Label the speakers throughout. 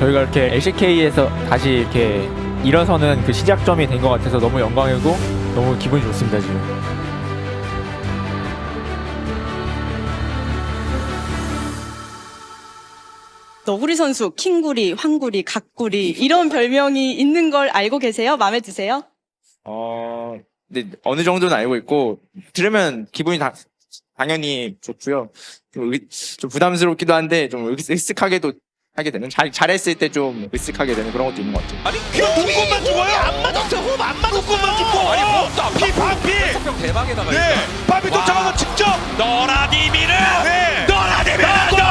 Speaker 1: 저희가 이렇게 LCK에서 다시 이렇게 일어서는 그 시작점이 된 것 같아서 너무 영광이고 너무 기분이 좋습니다 지금.
Speaker 2: 너구리 선수, 킹구리, 황구리, 각구리 이런 별명이 있는 걸 알고 계세요? 마음에 드세요?
Speaker 1: 근데 어느 정도는 알고 있고 들으면 기분이 당연히 좋고요. 좀 부담스럽기도 한데 좀 으쓱하게도 하게 되는 잘했을 때 좀 으쓱하게 되는 그런 것도 있는 것 같아요.
Speaker 3: 아니 그냥 눈곱만 죽어요? 안 맞았어요. 호흡 안 맞았어요. 눈곱만 죽고. 아니 피 반피.
Speaker 4: 성병 대박에다가
Speaker 3: 네. 반피 도착하고 직접. 너라디미르. 네. 너라디미르.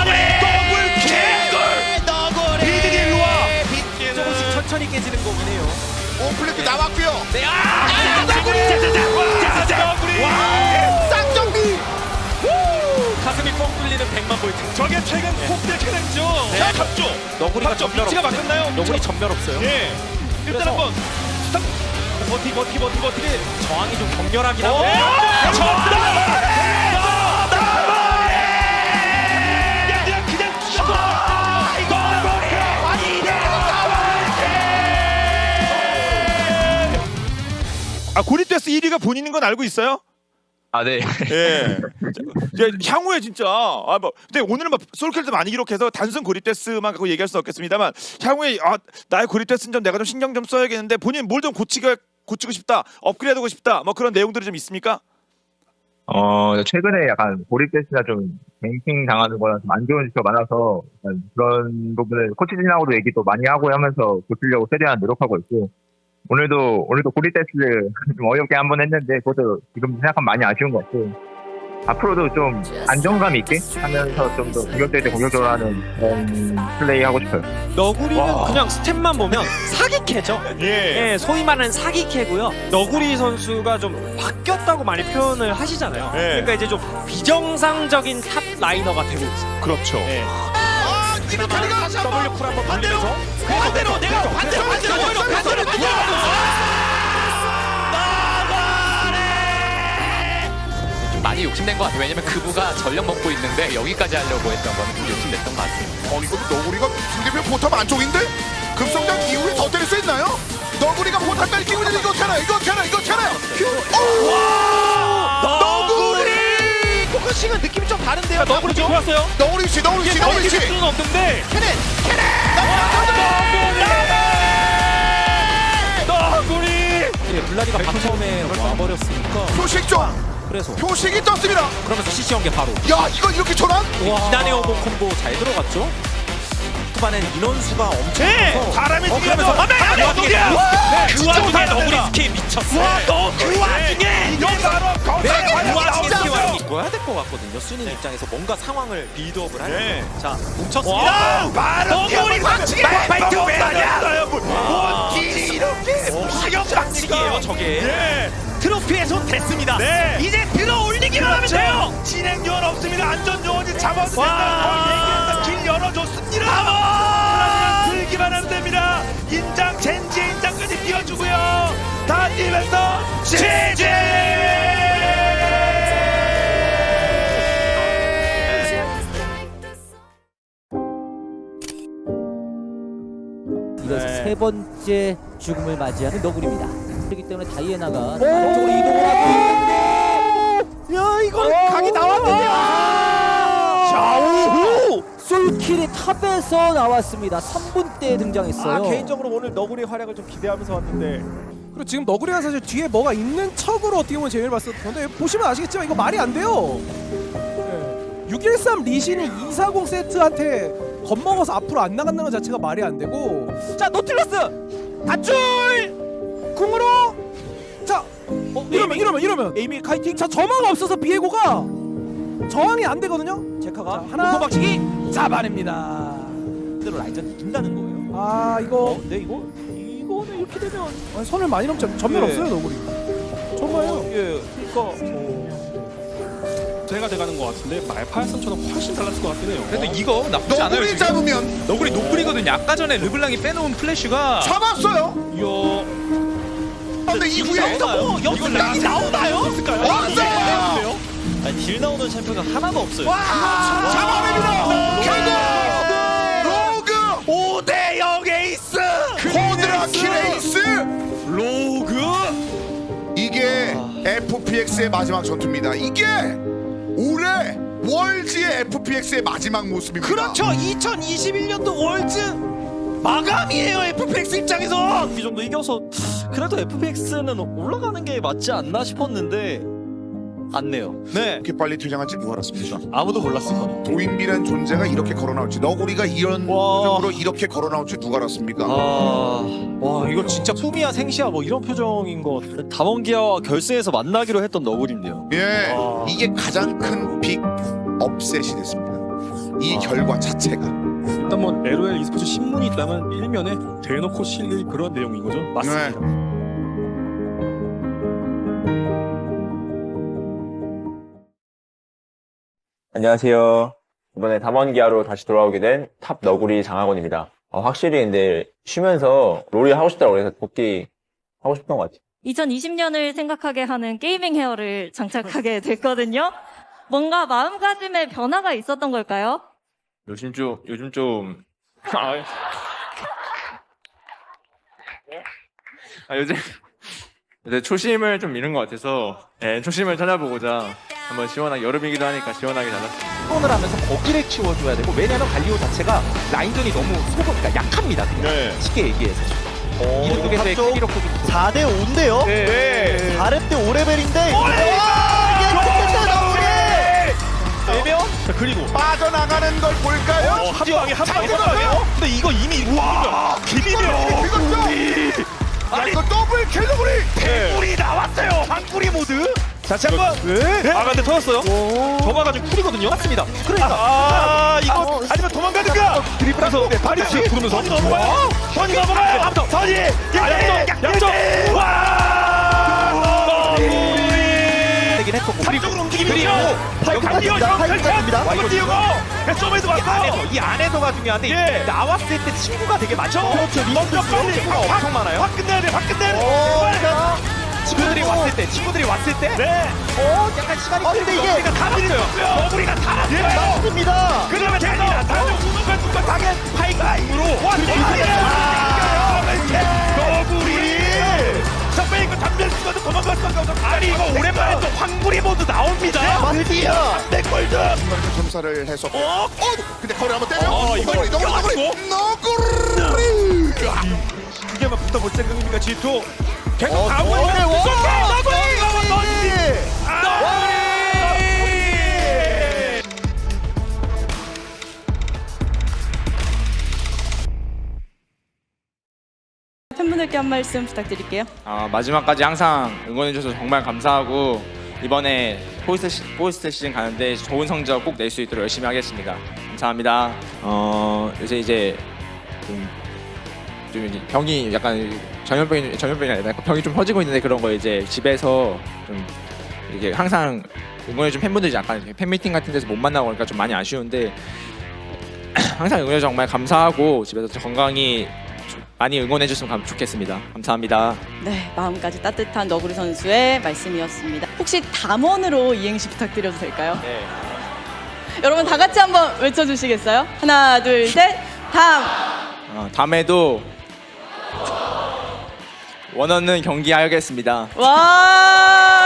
Speaker 3: 너구리. 비디디 일로 와.
Speaker 4: 조금씩 천천히 깨지는 거긴 해요.
Speaker 5: 오플레트 나왔고요.
Speaker 4: 네,
Speaker 3: 너구리. 너구리.
Speaker 5: 쌍정비.
Speaker 4: 가슴이 뻥 뚫리는 100만 볼트.
Speaker 3: 저게 최근 폭대 캐릭죠. 자, 갑조.
Speaker 4: 너구리가
Speaker 3: 갑조
Speaker 4: 전멸
Speaker 3: 위치가
Speaker 4: 없어요.
Speaker 3: 바뀌었나요?
Speaker 4: 너구리 전멸 없어요.
Speaker 3: 예. 일단
Speaker 4: 그래서-
Speaker 3: 한번 스탑. 버티.
Speaker 4: 저항이 좀 격렬하긴 하고.
Speaker 3: 고립데스 1위가 본인인 건 알고 있어요?
Speaker 4: 아 네.
Speaker 3: 예. 이제 향후에 진짜 근데 오늘은 솔킬도 많이 기록해서 단순 고립데스만 갖고 얘기할 수 없겠습니다만 향후에 나의 고립데스는 좀 내가 좀 신경 좀 써야겠는데 본인 뭘 좀 고치고 싶다, 업그레이드하고 싶다, 뭐 그런 내용들이 좀 있습니까?
Speaker 6: 최근에 약간 고립됐으나 좀 뱅킹 당하는 거나 좀 안 좋은 지표가 많아서 약간 그런 부분을 코치진하고도 얘기도 많이 하고 하면서 고치려고 최대한 노력하고 있고 오늘도 고립데스 좀 어렵게 한번 했는데 그것도 지금 생각하면 많이 아쉬운 것 같고 앞으로도 좀 안정감 있게 하면서 좀 더 공격될 때 공격적으로 하는 그런 플레이 하고 싶어요.
Speaker 7: 너구리는 그냥 스탯만 보면 사기캐죠.
Speaker 3: 예.
Speaker 7: 예, 소위 말하는 사기캐고요. 너구리 선수가 좀 바뀌었다고 많이 표현을 하시잖아요.
Speaker 3: 예.
Speaker 7: 그러니까 이제 좀 비정상적인 탑 라이너가 되고 있어요.
Speaker 3: 그렇죠.
Speaker 7: 예.
Speaker 5: 이거 다리가
Speaker 7: W 쿨 한번 돌리면서
Speaker 5: 반대로 내가 반대로
Speaker 4: 좀 많이 욕심낸 것 같아요. 왜냐면 그부가 전력 먹고 있는데 여기까지 하려고 했던 거는 좀 욕심냈던 것 같습니다.
Speaker 5: 이거 너구리가 상대편 포탑 안쪽인데 급성장 이후에 더 때릴 수 있나요? 너구리가 포탑까지 끼고 있는데 이거 어떻게 하나요? 너구리!
Speaker 7: 포커싱은 느낌이 좀 다른데요. 너구리 좀 좋았어요.
Speaker 5: 너구리 씨
Speaker 7: 수는 없는데 너구리. 예, 블라디가 바텀에 와버렸으니까
Speaker 5: 표식 좀
Speaker 7: 그래서
Speaker 5: 표식이 떴습니다.
Speaker 7: 그러면서 CC 연계 바로
Speaker 5: 야 이거 이렇게 전환?
Speaker 7: 기단의 오버 콤보 잘 들어갔죠. 후반엔 인원수가 엄청 커서
Speaker 3: 사람이
Speaker 7: 그러면서 그 와중에 너구리 스케일 미쳤어.
Speaker 3: 그 와중에 이거 바로
Speaker 7: 그 와중에 스케일 이거야 될 것 같거든요. 수는 입장에서 뭔가 상황을 빌드업을 하려면
Speaker 3: 네.
Speaker 7: 자 뭉쳤습니다.
Speaker 3: 너구리 박치기 파이트 왜 하냐? 뭔 길이 이렇게
Speaker 7: 사격박치기예요 저게.
Speaker 3: 예.
Speaker 7: 트로피에 손 댔습니다.
Speaker 3: 네.
Speaker 7: 이제 들어 올리기만 하면 돼요.
Speaker 3: 진행 요원 없습니다. 안전 요원이 잡아서
Speaker 7: 와.
Speaker 3: 길 열어줬습니다. 들기만 하면 됩니다. 인장 젠지 인장까지 띄워주고요. 다 뛰면서 제제.
Speaker 8: 이것이 세 번째 죽음을 맞이하는 너구리입니다. 그렇기 때문에 다이애나가 아래쪽으로 이동을 하고 있는데 야 이거 각이 나왔는데요.
Speaker 7: 좌우후.
Speaker 8: 솔킬이 탑에서 나왔습니다. 3분 때 등장했어요.
Speaker 9: 개인적으로 오늘 너구리의 활약을 좀 기대하면서 왔는데 그리고 지금 너구리가 사실 뒤에 뭐가 있는 척으로 어떻게 보면 재미를 봤었던 건데 보시면 아시겠지만 이거 말이 안 돼요. 613 리신이 240 세트한테 겁먹어서 앞으로 안 나간다는 것 자체가 말이 안 되고
Speaker 8: 자 노틸러스
Speaker 9: 단줄 궁으로 자 이러면
Speaker 8: 에이미 카이팅.
Speaker 9: 자 저마가 없어서 비에고가 저항이 안 되거든요.
Speaker 8: 제카가
Speaker 9: 하나
Speaker 8: 박치기
Speaker 9: 잡아냅니다.
Speaker 8: 그대로 라인전 이긴다는 거예요.
Speaker 9: 아 이거
Speaker 8: 네 이거는 이렇게 되면
Speaker 9: 선을 많이 넘죠. 전면
Speaker 8: 네.
Speaker 9: 없어요 너구리. 정말요.
Speaker 7: 예, 그러니까 제가 돼가는 것 같은데 말파이썬처럼 훨씬 달랐을 것 같긴 해요.
Speaker 4: 근데 이거 나쁘지 않아요.
Speaker 5: 너구리
Speaker 4: 지금.
Speaker 5: 잡으면
Speaker 4: 너구리 노플이거든요. 아까 전에 르블랑이 빼놓은 플래시가
Speaker 5: 잡았어요. 근데 이후에
Speaker 7: 여기서 나오나요?
Speaker 5: 왔어요.
Speaker 7: 딜 나오는 챔프가 하나도 없어요.
Speaker 5: 잡아냅니다. 결국 로그
Speaker 3: 5대0
Speaker 5: 아키레이스 로그. 이게 FPX의 마지막 전투입니다. 이게 올해 월즈의 FPX의 마지막 모습입니다.
Speaker 10: 그렇죠. 2021년도 월즈 마감이에요. FPX 입장에서 이 정도 이겨서 그래도 FPX는 올라가는 게 맞지 않나 싶었는데 않네요. 네.
Speaker 5: 이렇게 빨리 퇴장할지 누가 알았습니까?
Speaker 10: 아무도 몰랐을 거예요.
Speaker 5: 도인비란 존재가 이렇게 걸어 나올지, 너구리가 이런 표정으로 이렇게 걸어 나올지 누가 알았습니까?
Speaker 10: 와 이거 진짜 꿈이야 생시야 뭐 이런 표정인 거. 담원기아와 결승에서 만나기로 했던 너구리인데요.
Speaker 5: 예, 이게 가장 큰 빅 업셋이 됐습니다. 이 결과 자체가.
Speaker 7: 일단 뭐 LOL e스포츠 신문이 있다면 일면에 대놓고 실릴 그런 내용인 거죠. 맞습니다.
Speaker 5: 네.
Speaker 6: 안녕하세요. 이번에 담원기아로 다시 돌아오게 된 탑 너구리 장학원입니다. 확실히 근데 쉬면서 롤이 하고 싶다고 그래서 복귀하고 싶던 것 같아요.
Speaker 11: 2020년을 생각하게 하는 게이밍 헤어를 장착하게 됐거든요. 뭔가 마음가짐에 변화가 있었던 걸까요?
Speaker 1: 요즘 좀 요새 초심을 좀 잃은 것 같아서 초심을 찾아보고자 한번 시원하게, 여름이기도 하니까 시원하게 잡았습니다.
Speaker 8: 톤을 하면서 거기를 키워줘야 되고, 왜냐면 갈리오 자체가 라인전이 너무 소보니까 약합니다. 그냥 쉽게 얘기해서. 이쪽에서의 캐리로 포기
Speaker 10: 4대 5인데요.
Speaker 3: 네.
Speaker 10: 4렙 때 5레벨인데. 자, 그리고
Speaker 5: 빠져나가는 걸 볼까요?
Speaker 3: 한 방에. 근데 이거 이미 비비며.
Speaker 5: 이것도 아니 이거 더블 캘러그리.
Speaker 3: 대굴이 나왔어요. 한구리 모드. 다시 한번. 근데 터졌어요. 저마가 지금 쿨이거든요. 맞습니다. 그러니까. 이거 아니면 도망가든가. 드리블해서 파리스 부르면서. 선이 넘어가요. 선이. 양쪽. 와.
Speaker 8: 되긴 했었고.
Speaker 3: 삼쪽으로 움직이면서. 팔입니다. 점에서 왔어요.
Speaker 8: 이 안에서가 중요한데 나왔을 때 친구가 되게 많죠.
Speaker 3: 그렇죠. 먼저 빨리
Speaker 8: 친구가 엄청 많아요.
Speaker 3: 확 끝내야 돼.
Speaker 8: 친구들이 왔을 때
Speaker 3: 네.
Speaker 8: 약간 시간이
Speaker 10: 근데 이게
Speaker 3: 우리가 다 밀었어요. 우리가 다 밀었어요.
Speaker 10: 맞습니다.
Speaker 3: 그다음에 대리나 다들 우승과 당연 파이가임으로 너구리. 선배 이거 담배 쓰고도 도망갈 수밖에 없어. 아니 이거 오랜만에 또 황구리 모드 나옵니다.
Speaker 10: 맞디야.
Speaker 3: 내 골드.
Speaker 5: 점사를 해서. 근데 거리 한번 때려.
Speaker 3: 이거
Speaker 5: 너구리.
Speaker 3: 이게만 붙어볼 생각입니까 G2? 계속 가고
Speaker 10: 너구리.
Speaker 2: 팬분들께 한 말씀 부탁드릴게요.
Speaker 1: 마지막까지 항상 응원해줘서 정말 감사하고, 이번에 포스트 시즌 가는데 좋은 성적 꼭 낼 수 있도록 열심히 하겠습니다. 감사합니다. 요새 이제 좀 이제 병이 약간 전염병이 아니라 병이 좀 퍼지고 있는데, 그런 거 이제 집에서 좀 이게 항상 응원해준 팬분들이 약간 팬미팅 같은 데서 못 만나고 그러니까 좀 많이 아쉬운데, 항상 응원해줘서 정말 감사하고 집에서 건강히 많이 응원해줬으면 좋겠습니다. 감사합니다.
Speaker 2: 네, 마음까지 따뜻한 너구리 선수의 말씀이었습니다. 혹시 담원으로 이행시 부탁드려도 될까요?
Speaker 1: 네.
Speaker 2: 여러분 다 같이 한번 외쳐주시겠어요? 하나, 둘, 셋, 담!
Speaker 1: 다음에도 원하는 경기 하겠습니다.
Speaker 2: 와!